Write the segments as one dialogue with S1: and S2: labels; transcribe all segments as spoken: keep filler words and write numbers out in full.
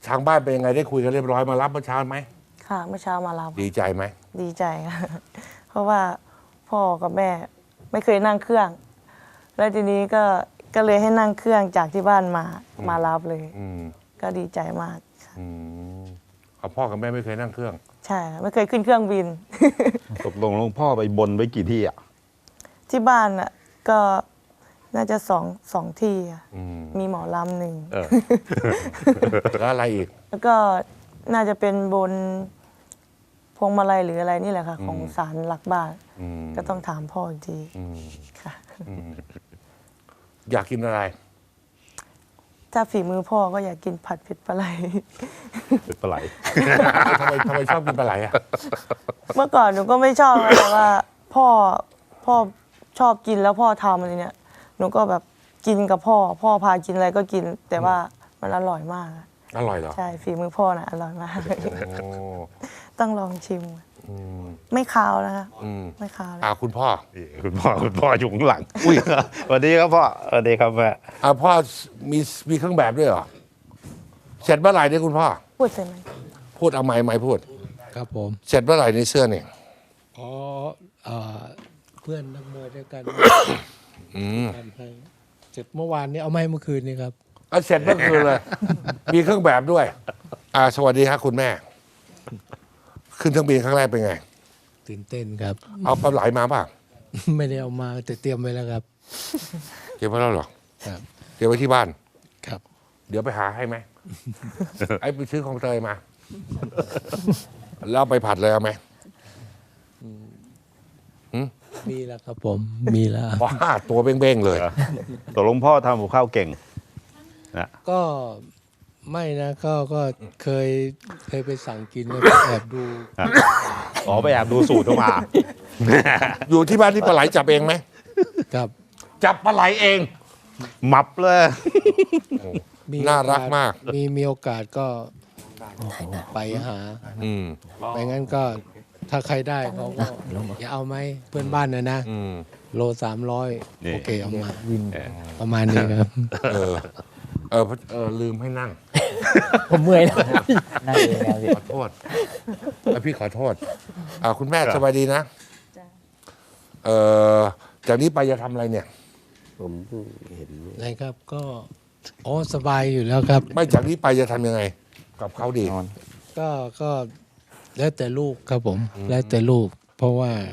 S1: ทางบ้านเป็นยังไงได้คุยกันเรียบร้อยมารับเมื่อเช้าไหม
S2: ค่ะเมื่อเช้ามารับ
S1: ดีใจไหม
S2: ดีใจค่ะเพราะว่าพ่อกับแม่ไม่เคยนั่งเครื่อง แล้วทีนี้ก็ก็เลยให้นั่งเครื่องจากที่บ้านมามารับเลยก็ดีใจมาก
S1: ค่ะพ่อกับแม่ไม่เคยนั่งเครื่อง
S2: ใช่ไม่เคยขึ้นเครื่องบิน
S3: ตกลงหลวงพ่อไปบนไว้กี่ที่อ่ะ
S2: ที่บ้านอ่ะก็น่าจะสองสองที่มีหมอลำหนึ่ง
S1: แล้วอะไรอีก
S2: แล้วก็น่าจะเป็นบนพวงมาลัยหรืออะไรนี่แหละค่ะของศาลหลักบ้านก็ต้องถามพ่ออีกทีค่ะ
S1: อยากกินอะไร
S2: ถ้าฝีมือพ่อก็อยากกินผัดเผ็ดปลาไหล
S3: เผ็ดปลาไหล
S1: ทำไมทำไมชอบกินปลาไหลอ่ะ
S2: เมื่อก่อนหนูก็ไม่ชอบแต่ว่าพ่อพ่อชอบกินแล้วพ่อทำอะไรเนี่ยหนูก็แบบกินกับพ่อพ่อพากินอะไรก็กิน แต่ว่ามันอร่อยมาก
S1: อร่อยเหรอ
S2: ใช่ฝีมือพ่อน่ะอร่อยมากต้องลองชิมไม่คาวนะคะไม่คาว
S1: อ่าคุณพ่อ
S3: คุณพ่อคุณพ่ออยู่ข้างหลังอุ้ยสวัสดีครับพ่อสวัสดีครับแม่
S1: อ่าพ่อมีมีเครื่องแบบด้วยเหรอเสร็จเมื่อไหร่เนี่ยคุณพ่อ
S2: พูดใช่ไหม
S1: พูดเอาไม้ไม้พูด
S4: ครับผม
S1: เสร็จเมื่อไหร่ในเสื้อเนี่ย
S4: อ๋อเพื่อนนักมวยด้วยกันทำให้เสร็จเมื่อวานนี้เอาไม้เมื่อคืนนี้ครับ
S1: ก็เสร็จเมื่อคืนเลยมีเครื่องแบบด้วยอ่าสวัสดีครับคุณแม่ขึ้นเครื่องบินครั้งแรกเป็นไง
S4: ตื่นเต้นครับ
S1: เอาปลาไหลมาป่ะ
S4: ไม่ได้เอามาแต่เตรียมไว้แล้วครับ
S1: เตรียมไว้แล้วหรอ
S4: ครับ
S1: เตรียมไว้ที่บ้าน
S4: ครับ
S1: เดี๋ยวไปหาให้ไหมไอ้ไปซื้อของเตยมาแล้วไปผัดเลยเอาไหม
S4: มีแล้วครับผมมีแล้ว
S1: ว้าตัวเบ้งๆเลย
S3: ตกลงพ่อทำกับข้าวเก่ง
S4: นะก็ไม่นะก็ก็เคยเคยไปสั่งกินแล้วแอบดู
S3: อ๋อไปแอบดูสูตรมา
S1: อยู่ที่บ้านที่ปลาไหลจับเองไหม
S4: ครับ
S1: จับปลาไหลเอง
S3: มับเลย
S1: น่ารักมาก
S4: มีมีโอกาสก็ไปหาไม่งั้นก็ถ้าใครได้เขาก็อย่าเอาไหมเพื่อนบ้านนะนะโลสามร้อยโอเคเอามาประมาณนี้ครับ
S1: เออเออเออลืมให้นั่ง
S5: ผมเมื่อยแล้วนั่งเองแล้ว
S1: ขอโทษพี่ขอโทษอ่าคุณแม่สบายดีนะเออจากนี้ไปจะทำอะไรเนี่ย
S5: ผมเห็น
S4: อะไรครับก็อ๋อสบายอยู่แล้วครับ
S1: ไม่จากนี้ไปจะทำยังไงกับเขาดี
S4: ก็ก็แล้วแต่ลูกครับผมแล้วแต่ลูกเพราะว่า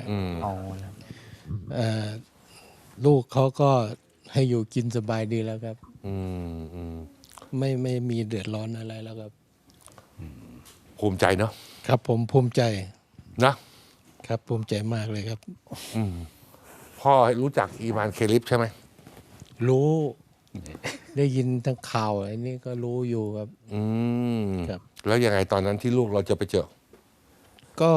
S4: ลูกเขาก็ให้อยู่กินสบายดีแล้วครับไม่ไม่มีเดือดร้อนอะไรแล้วครับ
S1: ภูมิใจเนาะ
S4: ครับผมภูมิใจ
S1: นะครับ
S4: ภูมิใจมากเลยครับ
S1: พ่อรู้จักอีวานเคลิปใช่ไหม
S4: รู้ได้ยินทั้งข่าวอันนี้ก็รู้อยู่ครับ
S1: อืมครับแล้วยังไงตอนนั้นที่ลูกเราจะไปเจอ
S4: ก็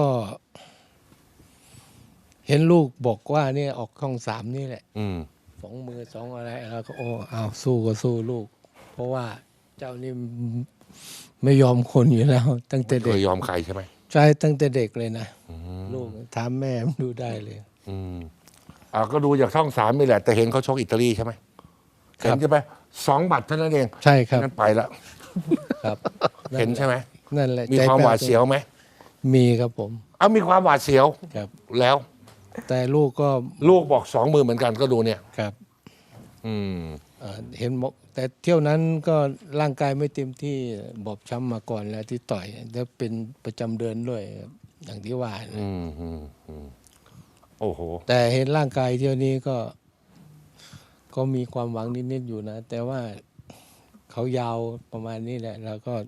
S4: เห็นลูกบอกว่าเนี่ยออกช่องสามนี่แหละสองมือสองอะไรแล้วก็โอ้เอาสู้ก็สู้ลูกเพราะว่าเจ้านี่ไม่ยอมคนอยู่แล้วตั้งแต่เด็ก
S1: ไม่ยอมใครใช่ไหม
S4: ใช่ตั้งแต่เด็กเลยนะลูกถามแม่ดูได้เลย
S1: อืมอ่าก็ดูจากช่องสามนี่แหละแต่เห็นเขาชกอิตาลีใช่ไหมเห็นใช่ไหมสองบัตรเท่านั้นเอง
S4: ใช่ครับ
S1: นั่นไปแล้ว
S4: ครับ
S1: เห็นใช่ไหม
S4: นั่นแหละ
S1: มีความหวาดเสียวไหม
S4: มีครับผม
S1: เอามีความหวาดเสียว
S4: ครับ
S1: แล้ว
S4: แต่ลูกก็
S1: ลูกบอกสองมือเหมือนกันก็ดูเนี่ย
S4: ครับ
S1: อืม
S4: เห็นบอกแต่เที่ยวนั้นก็ร่างกายไม่เต็มที่บอบช้ำมาก่อนแล้วที่ต่อยแล้วเป็นประจำเดือนด้วยอย่างที่ว่า
S1: อืมอืมโอ้โห
S4: แต่เห็นร่างกายเที่ยวนี้ก็ก็มีความหวังนิดๆอยู่นะแต่ว่าเขายาวประมาณนี้แหละแล้วก็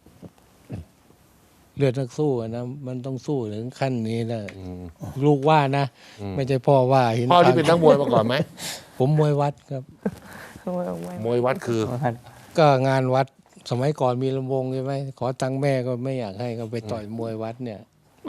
S4: เลือดนักสู้นะมันต้องสู้ถึงขั้นนี้แหละลูกว่านะไม่ใช่พ่อว่าเห็น
S1: พ่อที่เป็นนักมวยมาก่อนไหม
S4: ผมมวยวัดครับ
S1: มวยวัดคือ
S4: ก็งานวัดสมัยก่อนมีลำวงใช่ไหมขอตังค์แม่ก็ไม่อยากให้ก็ไปต่อยมวยวัดเนี่ย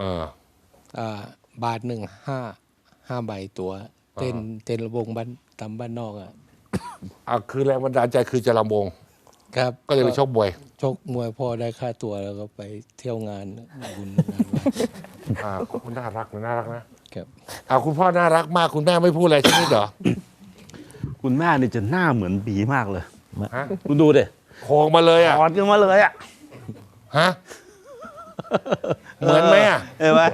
S4: บาทหนึ่งห้าห้าใบตัวเต้นเต้นลำวงบ้านตามบ้านนอกอ่ะ
S1: อ่าคือแรงบันดาลใจคือจะลำวง
S4: ครับ
S1: ก็เลยไปชกมวย
S4: ชกมวยพ่อได้ค่าตัวแล้วก็ไปเที่ยวงานบุญงานวัด
S1: อ่าคุณน่ารักน่ารักนะครับอ่าคุณพ่อน่ารักมากคุณแม่ไม่พูดอะไรใช่ไหมเหรอ
S3: คุณแม่นี่จะหน้าเหมือนบีมากเลยคุณดูดิ
S1: โค้งมาเลยอ่ะ
S3: อ่อนกันมาเลยอ่ะ
S1: ฮะ เหมือนไหมอ่ะ
S3: เห็นไหม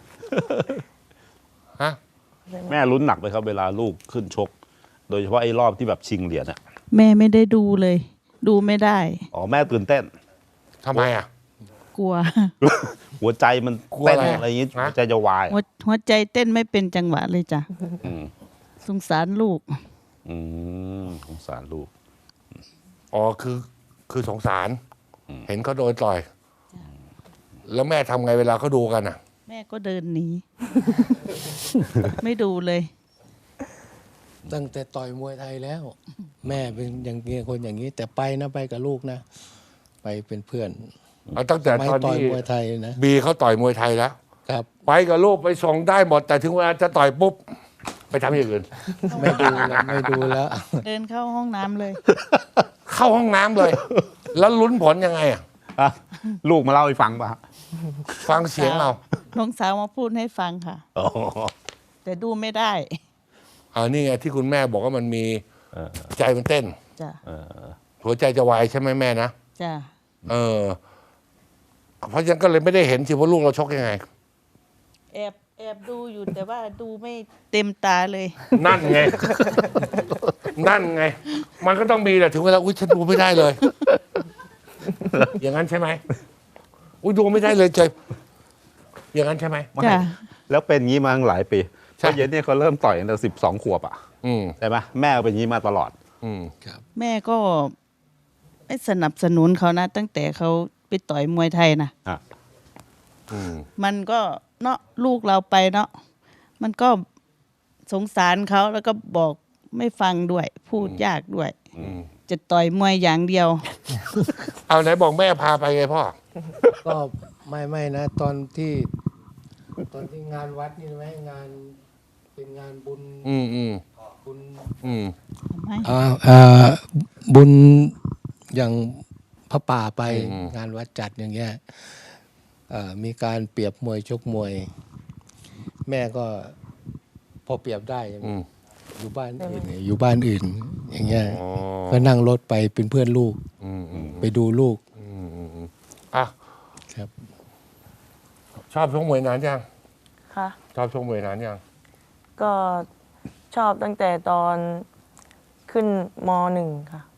S1: ฮะ
S3: แม่ลุ้นหนักเลยครับเวลาลูกขึ้นชก โดยเฉพาะไอ้รอบที่แบบชิงเหรียญอะ
S6: แม่ไม่ได้ดูเลย ดูไม่ได้
S3: อ๋อแม่ตื่นเต้น
S1: ทำไมอ่ะ
S6: กลัว
S3: หัวใจมัน
S1: กลัว
S3: เต้น
S1: อะไรอะ
S3: อะไรอย่างงี้
S1: ฮะ
S3: หัวใจจะวาย
S6: หัวหัวใจเต้นไม่เป็นจังหวะเลยจ้ะ
S3: อืม
S6: สงสารลูก
S3: อืมสงสารลูก
S1: อ๋อคือคือสงสาร เห็นเขาโดนต่อย แล้วแม่ทำไงเวลาเขาดูกันอ่ะ
S6: แม่ก็เดินหนี ไม่ดูเลย
S4: ตั้งแต่ต่อยมวยไทยแล้ว แม่เป็นอย่างนี้คนอย่างนี้ แต่ไปนะไปกับลูกนะ ไปเป็นเพื่อน
S1: เอาตั้งแต่
S4: ไม่
S1: ตอน
S4: ต่อย
S1: ที่
S4: มวยไทยนะ
S1: บีเขาต่อยมวยไทยแล้ว
S4: ครับ
S1: ไปกับลูกไปส่งได้หมด แต่ถึงเวลาจะต่อยปุ๊บ ไปทำอย่างอื่น
S4: ไม่ดูแล้วไม่ดูแล้ว
S6: เดินเข้าห้องน้ำเลย
S1: เข้าห้องน้ำเลย แล้วลุ้นผลยังไงอ่ะ
S3: อ่ะลูกมาเล่าให้ฟังป่ะ
S1: ฟังเสียงเรา
S6: น้องสาวมาพูดให้ฟังค่ะ
S3: อ๋อ
S6: แต่ดูไม่ได้
S1: อ่านี่ไงที่คุณแม่บอกว่ามันมี
S3: เออ
S1: ใจมันเต้น
S6: จ้ะ
S3: เออ
S1: หัวใจจะวายใช่ไหมแม่นะ
S6: จ้ะ
S1: เออ เพราะฉะนั้นก็เลยไม่ได้เห็นสิว่าลูกเราชกยังไง
S6: แอบแอบดูอยู่แต่ว่าดูไม่เต็มตาเลย
S1: นั่นไง นั่นไง มันก็ต้องมีแหละถึงเวลาอุ้ยฉันดูไม่ได้เลย อย่างนั้นใช่ไหมอุ้ยดูไม่ได้เลยเจยอย่างนั้นใช่ไหม
S3: ไม่
S6: จ้ะ
S3: แล้วเป็นงี้มาตั้งหลายปี
S1: ใช่
S3: เพราะเย็นเนี่ยเขาเริ่มต่อยตั้งแต่สิบสองขวบอ่ะ
S1: อืม
S3: ใช่ไหมแม่ก็เป็นงี้มาตลอด
S1: อืม
S6: แม่ก็ไม่สนับสนุนเขานะ ตั้งแต่เขาไปต่อยมวยไทยนะ
S3: อ่ะ
S1: อืม
S6: มันก็เนาะลูกเราไปเนาะมันก็สงสารเขาแล้วก็บอกไม่ฟังด้วย พูดยากด้วย
S1: อืม
S6: จะต่อยมวยอย่างเดียว
S1: เอาไหนบอกแม่พาไปไงพ่อ
S4: ก็ไม่ไม่นะ ตอนที่ ตอนที่งานวัดนี่ไหมงานเป็นงานบุญ
S1: อืมอืม
S4: บุญ
S1: อืม
S4: อ่าอ่าบุญอย่างพระป่าไป
S1: อืม
S4: งานวัดจัดอย่างเงี้ยเอ่อมีการเปรียบมวยชกมวย แม่ก็พอเปรียบได้
S1: อืม
S4: อยู่บ้านอื่นเนี่ยอยู่บ้านอื่น อย่างเงี้ย
S1: อ๋อ
S4: ก็นั่งรถไปเป็นเพื่อนลูก
S1: อืมอืม
S4: ไปดูลูก
S1: อืมอืมอืมอ่ะ
S4: ครับ
S1: ชอบชกมวยนานยัง
S2: ค่ะ
S1: ชอบชกมวยนานยัง
S2: ก็ชอบตั้งแต่ตอนขึ้นมหนึ่งค่ะ